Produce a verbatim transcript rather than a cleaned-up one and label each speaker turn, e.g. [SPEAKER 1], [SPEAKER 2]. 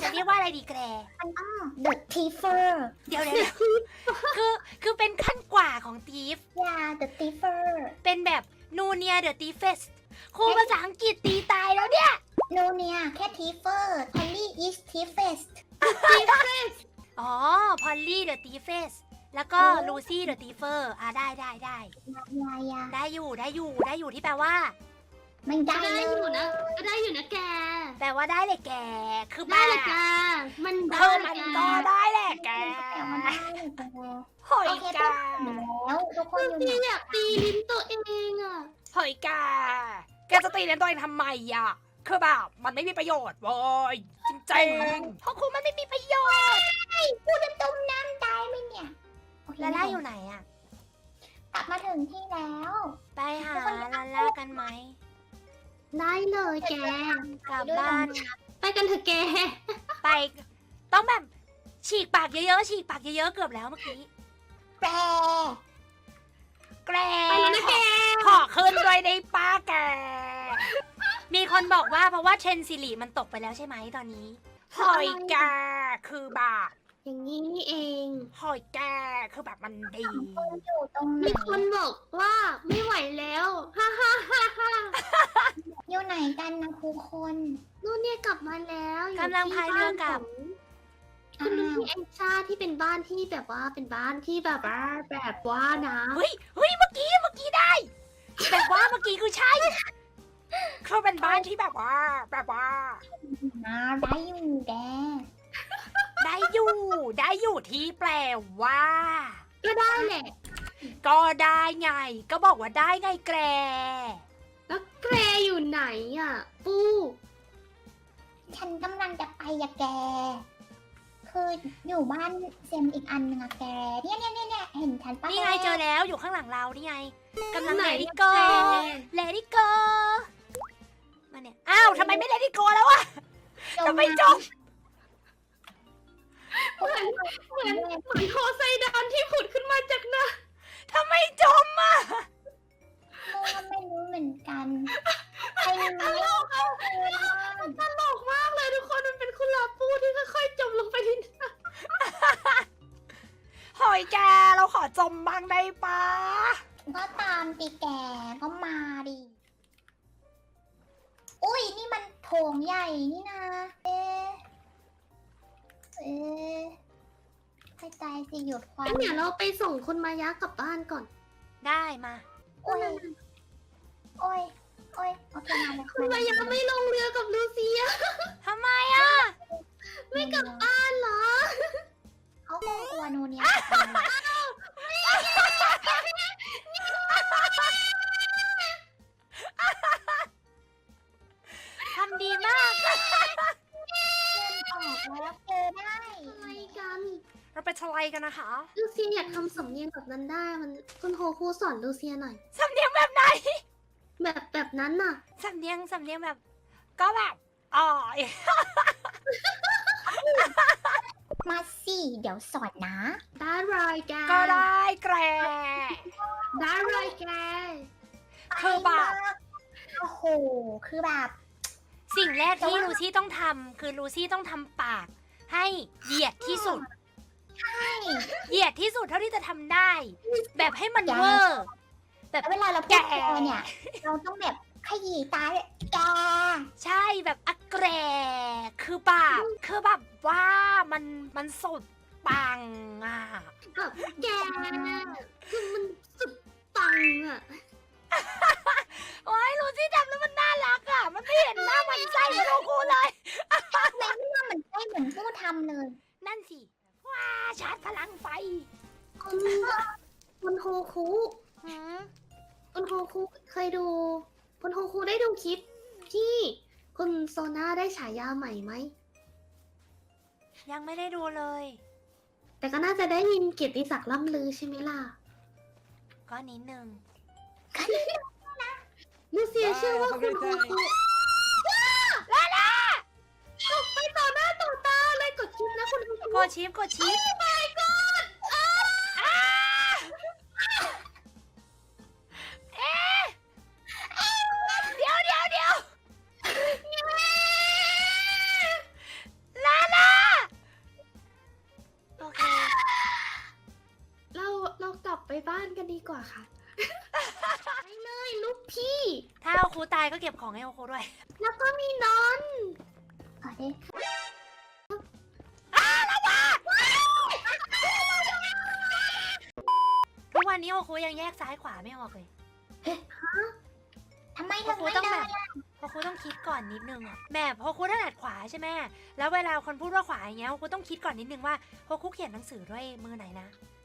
[SPEAKER 1] จะเรียกว่าอะไรดีแกร
[SPEAKER 2] มันต้อง the thiefer
[SPEAKER 1] เดี๋ยวเดี๋ยวคือคือเป็นขั้นกว่าของ thief
[SPEAKER 2] yeah the thiefer
[SPEAKER 1] เป็นแบบ นูเนีย the thiefest ครูภาษาอังกฤษตีตายแล้วเนี่ย
[SPEAKER 2] no เนี่ยแค่ thiefer Polly is thiefest
[SPEAKER 1] อ๋อ พอลลี่ the thiefest แล้วก็ ลูซี่ the thiefer อ่ะได้ได้ได้
[SPEAKER 2] ยายา
[SPEAKER 1] ได้อยู่ได้อยู่ได้อยู่ที่แปลว่า
[SPEAKER 2] ไม่ได้
[SPEAKER 3] ก็ได้
[SPEAKER 2] เล
[SPEAKER 3] อยู่
[SPEAKER 2] ย
[SPEAKER 3] นะก็ได้อยู่นะแก
[SPEAKER 1] แปลว่าได้เลยแก คือ
[SPEAKER 3] ได้
[SPEAKER 1] บ้า
[SPEAKER 3] เลยแกมันได้
[SPEAKER 1] คือ
[SPEAKER 3] เล
[SPEAKER 1] มั
[SPEAKER 3] ย
[SPEAKER 1] น
[SPEAKER 3] แก
[SPEAKER 1] ก็ได้แหละแก
[SPEAKER 2] แต่ว่าได้เลยแก
[SPEAKER 1] หอย
[SPEAKER 2] โอเค
[SPEAKER 1] กา
[SPEAKER 2] ต้องอยู่แล้วทุกคนอยู่
[SPEAKER 3] พี่
[SPEAKER 2] ไหน
[SPEAKER 3] อยากตีลิ้นตัวเองอ่ะ
[SPEAKER 1] หอยกา แกจะตีเลี้ยงตัวเองทำไมอ่ะ คือแบบมันไม่มีประโยชน์เว้ยจริงๆเพราะครูมันไม่มีประโยชน์
[SPEAKER 2] พูดจนต้มน้ำตายไหมเนี่ยโอเค
[SPEAKER 1] ลาล่าอยู่ไหนอ่ะ
[SPEAKER 2] กลับมาถึงที่แล้ว
[SPEAKER 1] ไปหาลาล่ากันไหม
[SPEAKER 3] ได้เลยแก
[SPEAKER 1] กลับบ้าน
[SPEAKER 3] ไปกันเถอะแก
[SPEAKER 1] ไป ต้องแบบฉีกปากเยอะๆฉีกปากเยอะๆเกือบแล้วเมื่อกี้
[SPEAKER 2] แปร
[SPEAKER 1] แกร
[SPEAKER 3] ไปแล้วนะแก
[SPEAKER 1] ขอขึ้นด้วยได้ป้าแก มีคนบอกว่าเพราะว่าเทรนซิลิมันตกไปแล้วใช่ไหมตอนนี้ หอยแกคือแบบ
[SPEAKER 3] อย่างนี้นี่เอง
[SPEAKER 1] หอยแกคือแบบมันดี
[SPEAKER 2] คนอยู่ตรงไหน
[SPEAKER 3] มีคนบอกว่าไม่ไหวแล้วฮ่าฮ่าฮ่าฮ่า
[SPEAKER 2] อยู่ไหนกันนะครูคน
[SPEAKER 3] นู่นเนี่ยกลับมาแล้วอยู่
[SPEAKER 1] กำลังพายเรือกลับ
[SPEAKER 3] ที่บ้านของคุณลุงที่แองชาที่เป็นบ้านที่แบบว่าเป็นบ้านที่แบบว่าแบบว่านะ
[SPEAKER 1] เฮ้ยเฮ้ยเมื่อกี้เมื่อกี้ได้ แบบว่าเมื่อกี้คือใช่เขาเป็นบ้านที่แบบว่า แบบว่า
[SPEAKER 2] นะได้อยู่แก
[SPEAKER 1] ได้อยู่ได้อยู่ที่แปลว่า
[SPEAKER 3] ก็ได้แหละ
[SPEAKER 1] ก็ได้ไง ก็บอกว่าได้ไงแกร
[SPEAKER 3] แล้วแกรอยู่ไหนอ่ะ ปู
[SPEAKER 2] ฉันกำลังจะไปอะแก คืออยู่บ้านเซมอีกอันหนึงอะแก เนี่ยเนี่ยเนี่ยเนี่ยเห็นฉันปะ
[SPEAKER 1] นี่ไงเจอแล้วอยู่ข้างหลังเรานี่ไงกำลัง
[SPEAKER 3] ไหน
[SPEAKER 1] เลดี้โก
[SPEAKER 3] แก
[SPEAKER 1] เลดี้โกมาเนี่ยอ้าวทำไมไม่เลดี้โกแล้ววะทำไมจม
[SPEAKER 3] เหมือนเหมือนเหมือนโคไซดอนที่ผุดขึ้นมาจากน้
[SPEAKER 1] ทำไมจมอ่ะ
[SPEAKER 2] โมก็ไม่รู้เหมือนกันใครรู้ไหม
[SPEAKER 3] ำตลกมากเลยทุกคนมันเป็นคุณลาปูที่ค่อยๆจมลงไปในน้
[SPEAKER 1] หอยแกเราขอจมบ้างได้ปะ
[SPEAKER 2] ก็ตามตีแกก็มาดิ อุ้ยนี่มันโถงใหญ่นี่นะ เอ๊ะเอ๊ะให้ใจสิหยุดค
[SPEAKER 3] ำ
[SPEAKER 2] วาม
[SPEAKER 3] งั้นเดี๋ยวเราไปส่งคุณมายะกลับบ้านก่อน
[SPEAKER 1] ได้มา
[SPEAKER 2] โอ้ย โอ้ย โอ้ย โอเคมาเลย
[SPEAKER 3] คุณมายะไม่ลงเรือกับลูเซีย
[SPEAKER 1] ทำไมอ่ะ
[SPEAKER 3] ไม่กลับบ้านเหรอ
[SPEAKER 2] เขาคงกลัวโนเนีย
[SPEAKER 1] ทำดีมาก
[SPEAKER 2] เดินออกแล้วเจอได้
[SPEAKER 3] อะไรกัน
[SPEAKER 1] เราไปทลายกันนะคะ
[SPEAKER 3] ลูเซียอยากทำสำเนียงแบบนั้นได้ มันคุณโฮคูสอนลูเซียหน่อย
[SPEAKER 1] สำเนียงแบบไหน
[SPEAKER 3] แบบแบบนั้นน่ะ
[SPEAKER 1] สำเนียงสำเนียงแบบ ก็แบบอ๋อ
[SPEAKER 2] มาสิเดี๋ยวสอนนะ
[SPEAKER 3] ได้เลยแก
[SPEAKER 1] ก็ได้แกร
[SPEAKER 3] ได้เลยแก
[SPEAKER 1] คือแบบ
[SPEAKER 2] โอ้โห คือแบบ
[SPEAKER 1] สิ่งแรกที่ลูซี่ต้องทำคือลูซี่ต้องทำปาก ให้เหยียดที่สุด เหยียดที่สุดเท่าที่จะทำได้ แบบให้มันเวอร์ แบบ
[SPEAKER 2] แล้วเวลาเราพูด
[SPEAKER 1] แก
[SPEAKER 2] แกเนี่ย เราต้องแบบขยี้ตาเลยแก
[SPEAKER 1] ใช่แบบอักแกรคือแบบคือแบบว่ามันมันสุดปังอ่ะ
[SPEAKER 3] แบบแกคือมันสุดปังอ่ะ
[SPEAKER 1] โอ้ยลูซี่ทำแล้วมันน่ารักอ่ะ มันไม่เห็นหน้ามันไส้มาโดนครูเลย
[SPEAKER 2] ทำไมไม่ว่าเหมือนใกล้เหมือนผู้ทำเลย
[SPEAKER 1] นั่นสิ ว้าชาร์จพลังไฟ
[SPEAKER 3] คุณคุณโฮคุ
[SPEAKER 1] หืม
[SPEAKER 3] คุณโฮคุเคยดู คุณโฮคุได้ดูคลิปที่คุณโซน่าได้ฉายาใหม่ไหม
[SPEAKER 1] ยังไม่ได้ดูเลย
[SPEAKER 3] แต่ก็น่าจะได้ยินเกียรติศักดิ์ล่ำลือใช่ไหมล่ะ
[SPEAKER 1] ก็นิดนึง
[SPEAKER 3] ลูเซียเชื่อว่าคุณโฮคุ
[SPEAKER 1] ลาล่า
[SPEAKER 3] ไปต่อหน้าต่อตาเลยกดคลิปนะคุณโฮคุ
[SPEAKER 1] กดชิปกดชิป
[SPEAKER 3] my god
[SPEAKER 1] อ้าเอ๊ะเดี๋ยวเดี๋ยวเดี๋ยวลาล่า
[SPEAKER 3] ว่าค่ะ ไปเลยลูกพี่
[SPEAKER 1] ถ้าโอคุตายก็เก็บของให้โอคุด้วย
[SPEAKER 3] แล้วก็มีนอน
[SPEAKER 2] ขอดิ
[SPEAKER 1] ทุกวันนี้โอคุยังแยกซ้ายขวาไม่ออกเลย
[SPEAKER 2] ทำไม
[SPEAKER 1] โอ
[SPEAKER 2] ถึง
[SPEAKER 1] คุ
[SPEAKER 2] ไม่
[SPEAKER 1] ต้อง
[SPEAKER 2] ได้
[SPEAKER 1] แบบโอคุต้องคิดก่อนนิดนึงอะแบบโอคุถนัดขวาใช่ไหมแล้วเวลาคนพูดว่าขวาอย่างเงี้ยโอคุต้องคิดก่อนนิดนึงว่าโอคุเขียนหนังสือด้วยมือไหนนะ